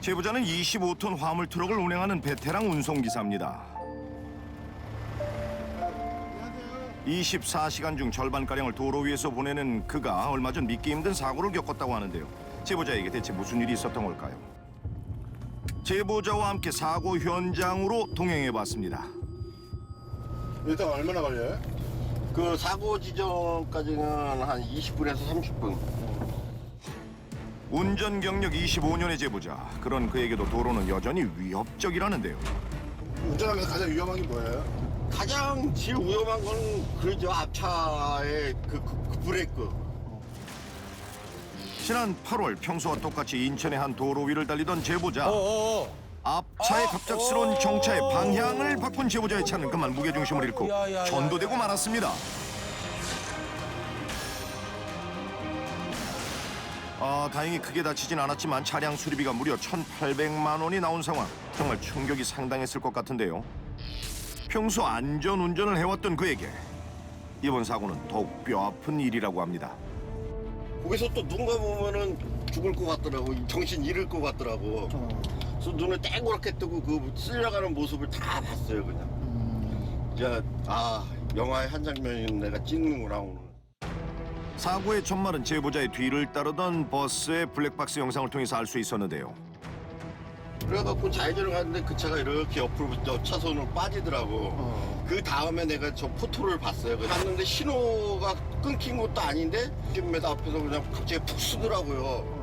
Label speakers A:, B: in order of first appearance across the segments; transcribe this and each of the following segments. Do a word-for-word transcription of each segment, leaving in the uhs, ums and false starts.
A: 제보자는 이십오 톤 화물 트럭을 운행하는 베테랑 운송기사입니다. 이십사 시간 중 절반가량을 도로 위에서 보내는 그가 얼마 전 믿기 힘든 사고를 겪었다고 하는데요. 제보자에게 대체 무슨 일이 있었던 걸까요? 제보자와 함께 사고 현장으로 동행해봤습니다.
B: 일단 얼마나 걸려요?
C: 그 사고 지점까지는 한 이십 분에서 삼십 분.
A: 운전 경력 이십오 년의 제보자. 그런 그에게도 도로는 여전히 위협적이라는데요.
B: 운전하면서 가장 위험한 게 뭐예요?
C: 가장 제일 위험한 건 그러죠. 앞차의 그, 그, 그 브레이크.
A: 지난 팔월 평소와 똑같이 인천의 한 도로 위를 달리던 제보자.
D: 어어어.
A: 앞차의 갑작스러운 정차에 방향을 바꾼 제보자의 차는 그만 무게중심을 잃고
D: 야, 야, 야,
A: 전도되고
D: 야.
A: 말았습니다. 아, 다행히 크게 다치진 않았지만 차량 수리비가 무려 천팔백만 원이 나온 상황. 정말 충격이 상당했을 것 같은데요. 평소 안전 운전을 해왔던 그에게 이번 사고는 더욱 뼈아픈 일이라고 합니다.
C: 거기서 또 누군가 보면은 죽을 것 같더라고. 정신 잃을 것 같더라고. 그래서 눈을 땡그랗게 뜨고 그 쓸려가는 모습을 다 봤어요, 그냥. 이제 아, 영화의 한 장면인 내가 찍는구나 오늘.
A: 사고의 전말은 제보자의 뒤를 따르던 버스의 블랙박스 영상을 통해서 알 수 있었는데요.
C: 그래갖고 좌회전을 갔는데 그 차가 이렇게 옆으로 옆 차선으로 빠지더라고.
B: 어.
C: 그 다음에 내가 저 포토를 봤어요. 봤는데 신호가 끊긴 것도 아닌데 십 미터 앞에서 그냥 갑자기 푹 쓰더라고요.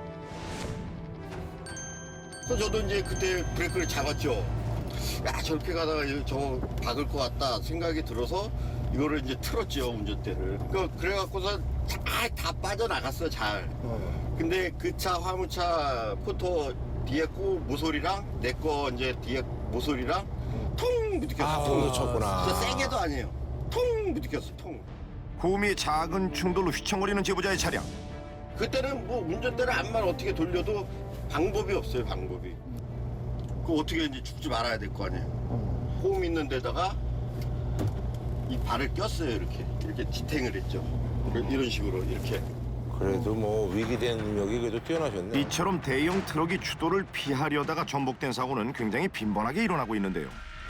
C: 그래서 저도 이제 그때 브레이크를 잡았죠. 야, 저렇게 가다가 저 박을 것 같다 생각이 들어서 이거를 이제 틀었죠, 운전대를. 그 그래갖고서 잘 다 빠져나갔어요, 잘.
B: 어.
C: 근데 그 차 화물차 포토 뒤에 거 모서리랑 내 거 이제 뒤에 모서리랑 통 부딪혔어.
D: 아,
C: 통.
D: 부딪혔구나.
C: 진짜 세게도 아니에요. 통 부딪혔어, 통.
A: 구미의 작은 충돌로 휘청거리는 제보자의 차량.
C: 그때는 뭐 운전대를 암만 어떻게 돌려도 방법이 없어요, 방법이. 그 어떻게 이제 죽지 말아야 될 거 아니에요. 호흡 있는 데다가 이 발을 꼈어요, 이렇게. 이렇게 지탱을 했죠. 이런 식으로 이렇게.
D: 그래도 뭐 위기 대응력이 그래도 뛰어나셨네.
A: 이처럼 대형 트럭이 추돌을 피하려다가 전복된 사고는 굉장히 빈번하게 일어나고 있는데요.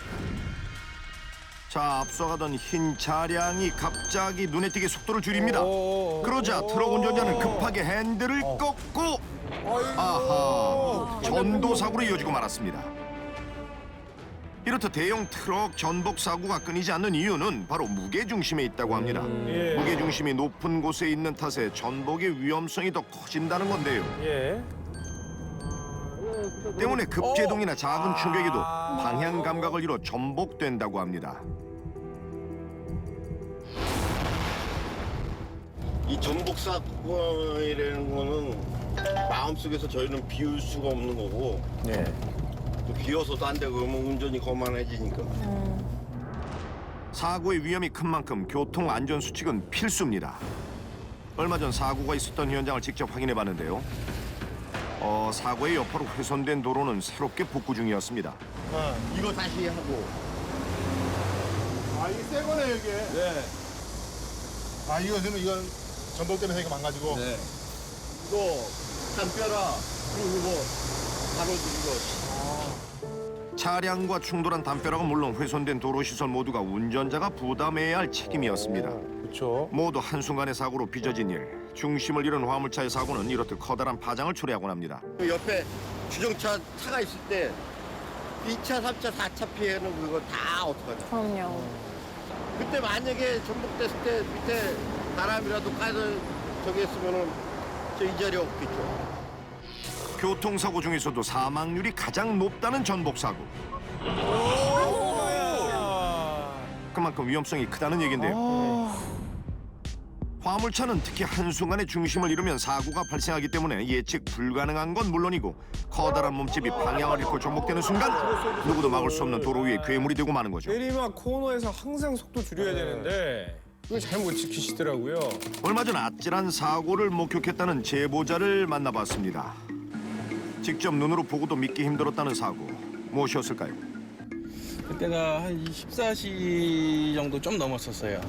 A: 자, 앞서가던 흰 차량이 갑자기 눈에 띄게 속도를 줄입니다.
D: 오,
A: 그러자 트럭 운전자는 급하게 핸들을
D: 어.
A: 꺾고
D: 아이고.
A: 아하, 전도 사고로 이어지고 말았습니다. 이렇듯 대형 트럭 전복 사고가 끊이지 않는 이유는 바로 무게 중심에 있다고 합니다.
E: 예.
A: 무게 중심이 높은 곳에 있는 탓에 전복의 위험성이 더 커진다는 건데요.
E: 예.
A: 때문에 급제동이나 작은 충격에도
D: 아.
A: 방향 감각을 잃어 전복된다고 합니다.
C: 이 전복 사건이라는 거는 마음속에서 저희는 비울 수가 없는 거고
D: 네.
C: 또 비워서도 안 되고 그러면 운전이 거만해지니까.
A: 사고의 위험이 큰 만큼 교통 안전 수칙은 필수입니다. 얼마 전 사고가 있었던 현장을 직접 확인해 봤는데요. 어, 사고의 여파로 훼손된 도로는 새롭게 복구 중이었습니다.
C: 이거 다시 하고.
B: 아, 이게 새 거네, 이게.
D: 네.
B: 아, 이거 그러면 이건 전복 때문에 이거 망가지고.
C: 네. 이거 담벼라 그리고 이거 바로 이거.
A: 차량과 충돌한 담벼락은 물론 훼손된 도로 시설 모두가 운전자가 부담해야 할 책임이었습니다.
D: 그렇죠.
A: 모두 한순간의 사고로 빚어진 일. 중심을 잃은 화물차의 사고는 이렇듯 커다란 파장을 초래하곤 합니다.
C: 그 옆에 주정차 차가 있을 때 이 차, 삼 차, 사 차 피해는 그거 다 어떡하냐.
F: 그럼요.
C: 그때 만약에 전복됐을 때 밑에 바람이라도 까서 저기 했으면은 저 이 자리에 없겠죠.
A: 교통사고 중에서도 사망률이 가장 높다는 전복사고. 그만큼 위험성이 크다는 얘긴데요. 화물차는 특히 한순간에 중심을 잃으면 사고가 발생하기 때문에 예측 불가능한 건 물론이고 커다란 몸집이 방향을 잃고 전복되는 순간 누구도 막을 수 없는 도로 위에 괴물이 되고 마는 거죠.
E: 내리막 코너에서 항상 속도 줄여야 되는데 그걸 잘 못 지키시더라고요.
A: 얼마 전 아찔한 사고를 목격했다는 제보자를 만나봤습니다. 직접 눈으로 보고도 믿기 힘들었다는 사고, 무엇이었을까요?
G: 그때가 한 이십사 시 정도 좀 넘었었어요.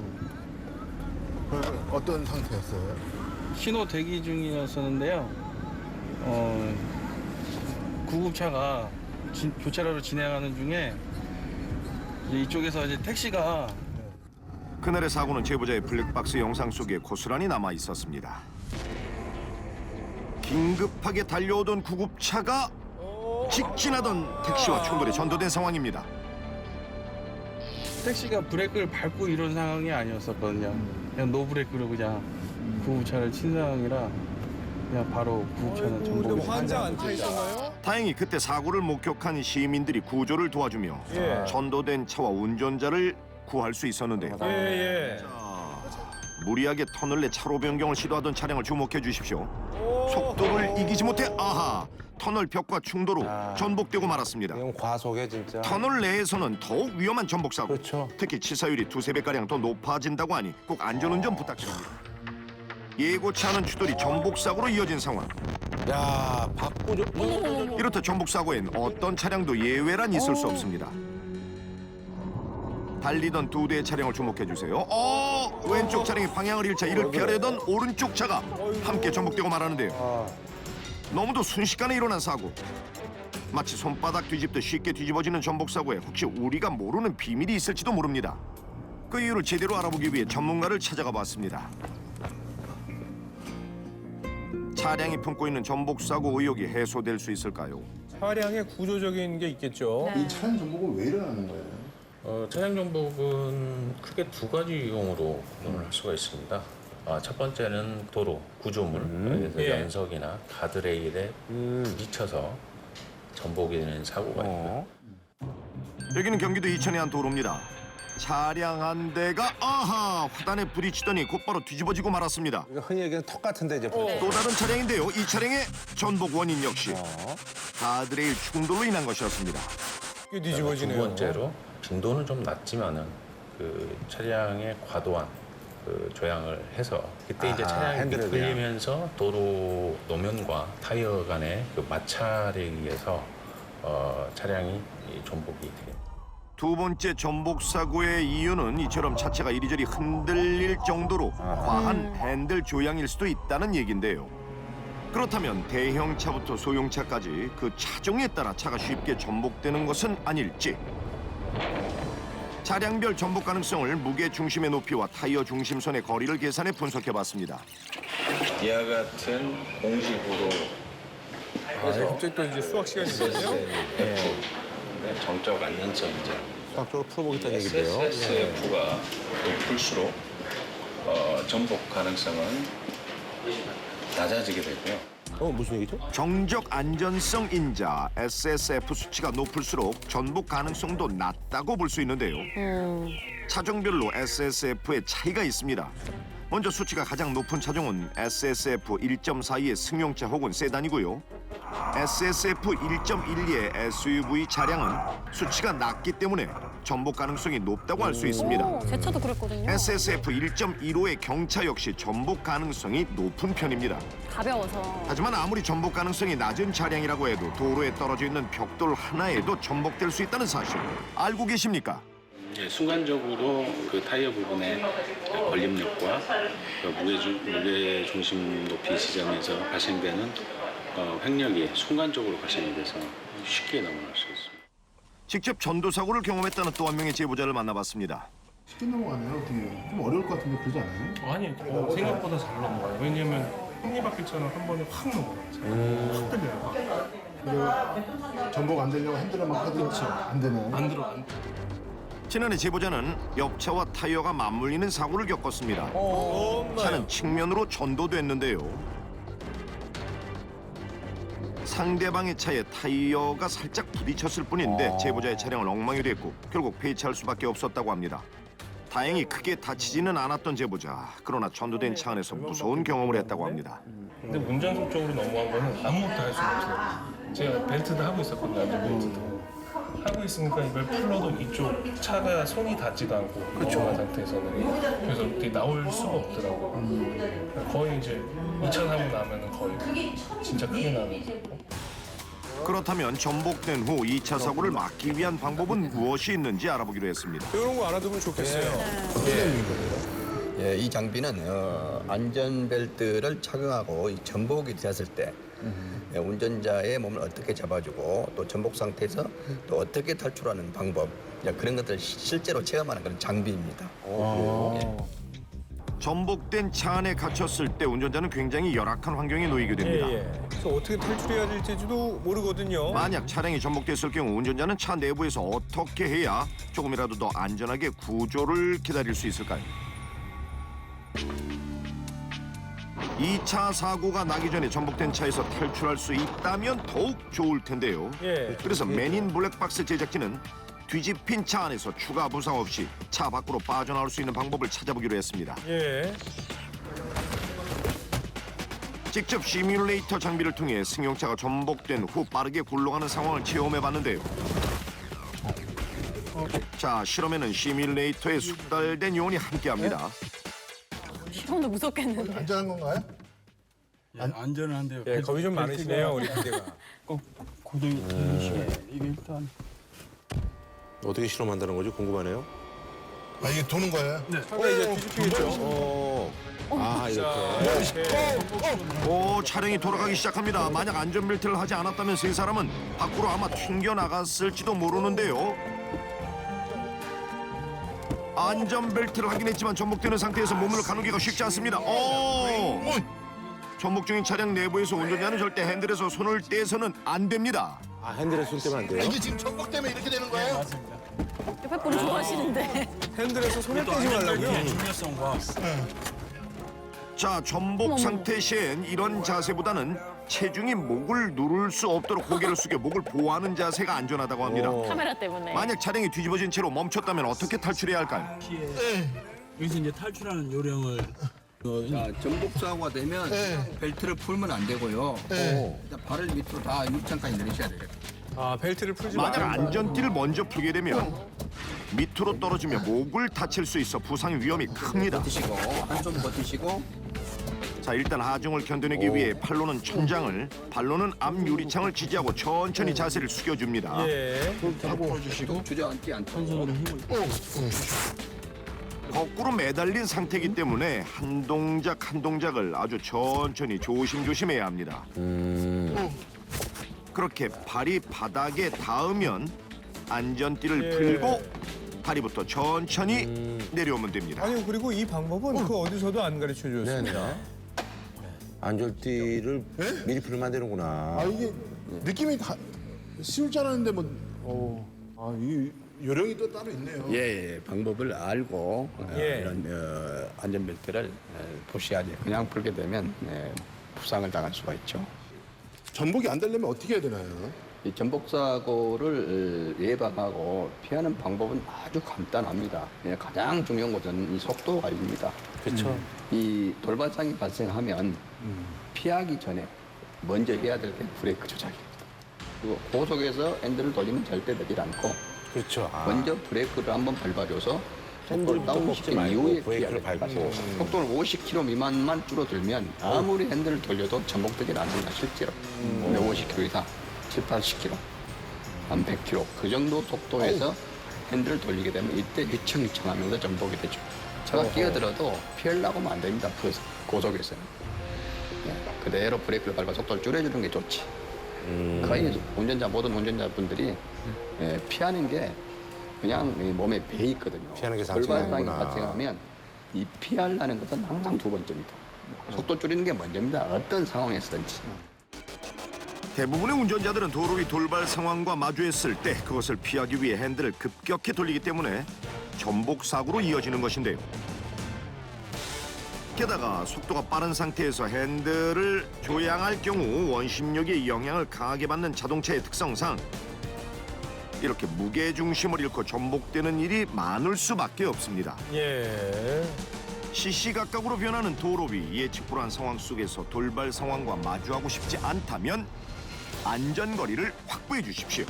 B: 그 어떤 상태였어요?
G: 신호 대기 중이었었는데요. 어, 구급차가 진- 교차로를 진행하는 중에 이제 이쪽에서 이제 택시가
A: 그날의 사고는 제보자의 블랙박스 영상 속에 고스란히 남아 있었습니다. 긴급하게 달려오던 구급차가 직진하던 택시와 충돌에 전도된 상황입니다.
G: 택시가 브레이크를 밟고 이런 상황이 아니었었거든요. 그냥 노브레이크로 그냥 구급차를 친 상황이라 그냥 바로 구급차는
E: 근데
G: 전복이
E: 뭐 환자 안 타 있었나요?
A: 다행히 그때 사고를 목격한 시민들이 구조를 도와주며
E: 예.
A: 전도된 차와 운전자를 구할 수 있었는데요.
E: 예, 예.
A: 무리하게 터널 내 차로 변경을 시도하던 차량을 주목해 주십시오. 속도를 이기지 못해 아하 터널 벽과 충돌 후
D: 아.
A: 전복되고 말았습니다.
D: 이건 과속에 진짜.
A: 터널 내에서는 더욱 위험한 전복 사고.
D: 그렇죠.
A: 특히 치사율이 두세 배가량 더 높아진다고 하니 꼭 안전운전 부탁드립니다. 예고치 않은 추돌이 전복 사고로 이어진 상황.
D: 야, 바꾸죠.
A: 이렇듯 전복 사고엔 어떤 차량도 예외란 있을 수 없습니다. 달리던 두 대의 차량을 주목해 주세요. 어, 왼쪽 차량이 방향을 잃자 이를 피하려던 오른쪽 차가 함께 전복되고 말하는데요.
D: 아,
A: 너무도 순식간에 일어난 사고. 마치 손바닥 뒤집듯 쉽게 뒤집어지는 전복 사고에 혹시 우리가 모르는 비밀이 있을지도 모릅니다. 그 이유를 제대로 알아보기 위해 전문가를 찾아가 봤습니다. 차량이 품고 있는 전복 사고 의혹이 해소될 수 있을까요?
E: 차량에 구조적인 게 있겠죠.
B: 이 차량 정복은 왜 일어나는 거예요?
F: 어, 차량 정복은 크게 두 가지 이용으로 구분을 할 수가 있습니다. 아, 첫 번째는 도로 구조물, 그래서
E: 예.
F: 연석이나 가드레일에 부딪혀서 전복이 되는 사고가 있고요.
D: 어.
A: 여기는 경기도 이천의 한 도로입니다. 차량 한 대가 아하 화단에 부딪히더니 곧바로 뒤집어지고 말았습니다.
D: 이거 흔히 얘기하는 턱 같은데 이제. 벌써.
A: 또 다른 차량인데요. 이 차량의 전복 원인 역시
D: 어.
A: 가드레일 충돌로 인한 것이었습니다.
E: 꽤
F: 두
E: 뒤집어지네요.
F: 번째로 빈도는 좀 낮지만은 그 차량의 과도한 그 조향을 해서 그때 이제
D: 아하,
F: 차량이
D: 핸들에 그냥.
F: 미끌리면서 도로 노면과 타이어 간의 그 마찰에 의해서 어, 차량이 이 전복이 됩니다.
A: 두 번째 전복 사고의 이유는 이처럼 차체가 이리저리 흔들릴 정도로 과한 핸들 조향일 수도 있다는 얘긴데요. 그렇다면 대형차부터 소형차까지 그 차종에 따라 차가 쉽게 전복되는 것은 아닐지. 차량별 전복 가능성을 무게 중심의 높이와 타이어 중심선의 거리를 계산해 분석해봤습니다.
F: 이와 같은 공식으로
E: 아, 갑자기 또 이제 수학 시간이거든요.
F: 네, 정적 안전성이죠.
D: 수학적으로 풀어보겠다는 얘기인데요.
F: 에스에스에프가 높을수록 어, 전복 가능성은 낮아지게 되고요.
D: 어, 무슨 얘기죠?
A: 정적 안전성 인자 에스에스에프 수치가 높을수록 전복 가능성도 낮다고 볼 수 있는데요. 차종별로 에스에스에프의 차이가 있습니다. 먼저 수치가 가장 높은 차종은 에스에스에프 일 점 사이의 승용차 혹은 세단이고요. 에스에스에프 일 점 일이의 에스유브이 차량은 수치가 낮기 때문에 전복 가능성이 높다고 할 수 있습니다.
H: 오, 제 차도 그랬거든요.
A: 에스에스에프 일 점 일오의 경차 역시 전복 가능성이 높은 편입니다.
H: 가벼워서.
A: 하지만 아무리 전복 가능성이 낮은 차량이라고 해도 도로에 떨어져 있는 벽돌 하나에도 전복될 수 있다는 사실 알고 계십니까?
I: 예, 순간적으로 그 타이어 부분의 걸림력과 그 무게, 중, 무게 중심 높이 지점에서 발생되는 어, 횡력이 순간적으로 발생이 돼서 쉽게 넘어갈 수 있습니다.
A: 직접 전도 사고를 경험했다는 또 한 명의 제보자를 만나봤습니다.
B: 쉽게 넘어가네요. 어떻게 좀 어려울 것 같은데 그러지 않아요?
J: 아니 어, 생각보다 잘 넘어가요. 왜냐면 톱니바퀴처럼 한 번에 확 넘어가요. 확 들려요.
B: 그리고 전복 안 되려고 핸들을 막 하도 안 되네.
J: 안 들어 안 들어.
A: 지난해 제보자는 옆차와 타이어가 맞물리는 사고를 겪었습니다.
E: 어,
A: 차는 측면으로 전도됐는데요. 상대방의 차에 타이어가 살짝 부딪혔을 뿐인데 제보자의 차량은 엉망이 됐고 결국 폐차할 수밖에 없었다고 합니다. 다행히 크게 다치지는 않았던 제보자. 그러나 전도된 차 안에서 무서운 경험을 했다고 합니다.
J: 근데 운전석 쪽으로 넘어간 거는 아무것도 할 수가 없어요. 제가 벨트도 하고 있었거든요. 벨트도. 하고 있으니까 이걸 풀러도 이쪽 차가 손이 닿지도 않고 넘어간 상태에서는 그래서 어떻게 나올 수가 없더라고요. 거의 이제 이 차 사고 나면은 거의 진짜 크게 나는 거고.
A: 그렇다면 전복된 후 이 차 사고를 막기 위한 방법은 무엇이 있는지 알아보기로 했습니다.
E: 이런 거 알아두면 좋겠어요.
K: 예, 이 장비는 어, 안전벨트를 착용하고 이 전복이 되었을 때 예, 운전자의 몸을 어떻게 잡아주고 또 전복 상태에서 또 어떻게 탈출하는 방법 이제 그런 것들을 시- 실제로 체험하는 그런 장비입니다. 예.
A: 전복된 차 안에 갇혔을 때 운전자는 굉장히 열악한 환경에 놓이게 됩니다.
E: 예, 예. 그래서 어떻게 탈출해야 될지도 모르거든요.
A: 만약 차량이 전복됐을 경우 운전자는 차 내부에서 어떻게 해야 조금이라도 더 안전하게 구조를 기다릴 수 있을까요? 이 차 사고가 나기 전에 전복된 차에서 탈출할 수 있다면 더욱 좋을 텐데요.
E: 예.
A: 그래서 맨인 블랙박스 제작진은 뒤집힌 차 안에서 추가 부상 없이 차 밖으로 빠져나올 수 있는 방법을 찾아보기로 했습니다.
E: 예.
A: 직접 시뮬레이터 장비를 통해 승용차가 전복된 후 빠르게 굴러가는 상황을 체험해봤는데요. 자, 실험에는 시뮬레이터에 숙달된 요원이 함께합니다.
H: 실험도 무섭겠는데.
B: 안전한 건가요?
G: 예, 안전은 한데요.
E: 예, 겁이 좀 많으시네요, 우리 기대가.
G: 꼭 고정이 되시게 이게 일단
D: 어떻게 실험한다는 거지 궁금하네요.
B: 아 이게 도는 거예요? 네.
E: 차가 이제 뒤집히겠죠.
D: 어. 아 이렇게.
E: 이렇게.
A: 오, 차량이 돌아가기 시작합니다. 만약 안전벨트를 하지 않았다면 세 사람은 밖으로 아마 튕겨나갔을지도 모르는데요. 안전벨트를 하긴 했지만 전복되는 상태에서 몸을 가누기가 쉽지 않습니다. 오! 전복 중인 차량 내부에서 운전자는 절대 핸들에서 손을 떼서는 안 됩니다.
D: 아 핸들에 손 떼면 안 돼요?
B: 이게 지금 전복 때문에 이렇게 되는 거예요?
H: 옆에 분을 좋아하시는데.
E: 핸들에서 손을 떼지 말라고요.
G: 중요성과
A: 자, 전복 상태 시엔 이런 자세보다는 체중이 목을 누를 수 없도록 고개를 숙여 목을 보호하는 자세가 안전하다고 합니다.
H: 카메라 때문에.
A: 만약 차량이 뒤집어진 채로 멈췄다면 어떻게 탈출해야 할까요?
G: 여기서 이제 탈출하는 요령을
K: 자, 전복 사고가 되면
B: 네.
K: 벨트를 풀면 안 되고요.
B: 네.
K: 일단 발을 밑으로 다 육창까지 내리셔야 돼요.
E: 아, 벨트를 풀지
A: 만약
E: 말아요.
A: 안전띠를 먼저 풀게 되면 밑으로 떨어지며 목을 다칠 수 있어 부상의 위험이 큽니다.
K: 버티시고 한손 버티시고
A: 자, 일단 하중을 견뎌내기 위해 팔로는 천장을, 발로는 앞 유리창을 지지하고 천천히 자세를 숙여줍니다.
E: 예.
K: 또 주저앉지 않도록
A: 거꾸로 매달린 상태이기 때문에 한 동작 한 동작을 아주 천천히 조심조심해야 합니다. 그렇게 발이 바닥에 닿으면 안전띠를
E: 예.
A: 풀고 다리부터 천천히 내려오면 됩니다.
E: 아니, 그리고 이 방법은 그 어디서도 안 가르쳐 줬습니다.
D: 안전띠를 미리 풀면 안 되는구나.
B: 아 이게 느낌이 가, 쉬울 줄 알았는데 뭐. 어. 아 이게 요령이 또 따로 있네요.
K: 예, 예, 방법을 알고 어,
E: 예.
K: 이런 어, 안전벨트를 어, 보셔야지. 그냥 풀게 되면 예, 부상을 당할 수가 있죠.
B: 전복이 안 되려면 어떻게 해야 되나요?
K: 이 전복 사고를 어, 예방하고 피하는 방법은 아주 간단합니다. 예, 가장 중요한 것은 이 속도 관리입니다.
D: 그렇죠.
K: 이 돌발상이 발생하면 피하기 전에 먼저 해야 될 게 브레이크 조작입니다. 그리고 고속에서 핸들을 돌리면 절대 되질 않고
D: 그렇죠. 아.
K: 먼저 브레이크를 한번 밟아줘서 속도를
D: 핸들부터 먹지
K: 다운시킨
D: 말고
K: 이후에
D: 브레이크를
K: 피해야
D: 밟고.
K: 됩니다. 속도를 오십 킬로미터 미만만 줄어들면 아무리 핸들을 돌려도 전복되질 않습니다. 실제로 오십 킬로미터 이상, 칠, 팔십 킬로미터, 한 백 킬로미터 그 정도 속도에서 핸들을 돌리게 되면 이때 휘청휘청하면서 전복이 되죠. 차가 끼어들어도 피하려고 하면 안 됩니다. 그 고속에서는. 예, 그대로 브레이크를 밟아 속도를 줄여주는 게 좋지. 거의 운전자 모든 운전자분들이 예, 피하는 게 그냥 이 몸에 배 있거든요.
D: 피하는 게
K: 돌발상이
D: 상징이구나.
K: 발생하면 이 피하려는 것은 항상 두 번째입니다. 속도 줄이는 게 먼저입니다. 어떤 상황에서든지.
A: 대부분의 운전자들은 도로 위 돌발 상황과 마주했을 때 그것을 피하기 위해 핸들을 급격히 돌리기 때문에 전복 사고로 이어지는 것인데요. 게다가 속도가 빠른 상태에서 핸들을 조향할 경우 원심력의 영향을 강하게 받는 자동차의 특성상 이렇게 무게 중심을 잃고 전복되는 일이 많을 수밖에 없습니다.
E: 예.
A: 시시각각으로 변하는 도로 위 예측 불허한 상황 속에서 돌발 상황과 마주하고 싶지 않다면 안전거리를 확보해 주십시오.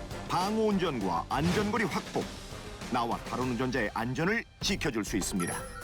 A: 방호 운전과 안전거리 확보, 나와 다른 운전자의 안전을 지켜줄 수 있습니다.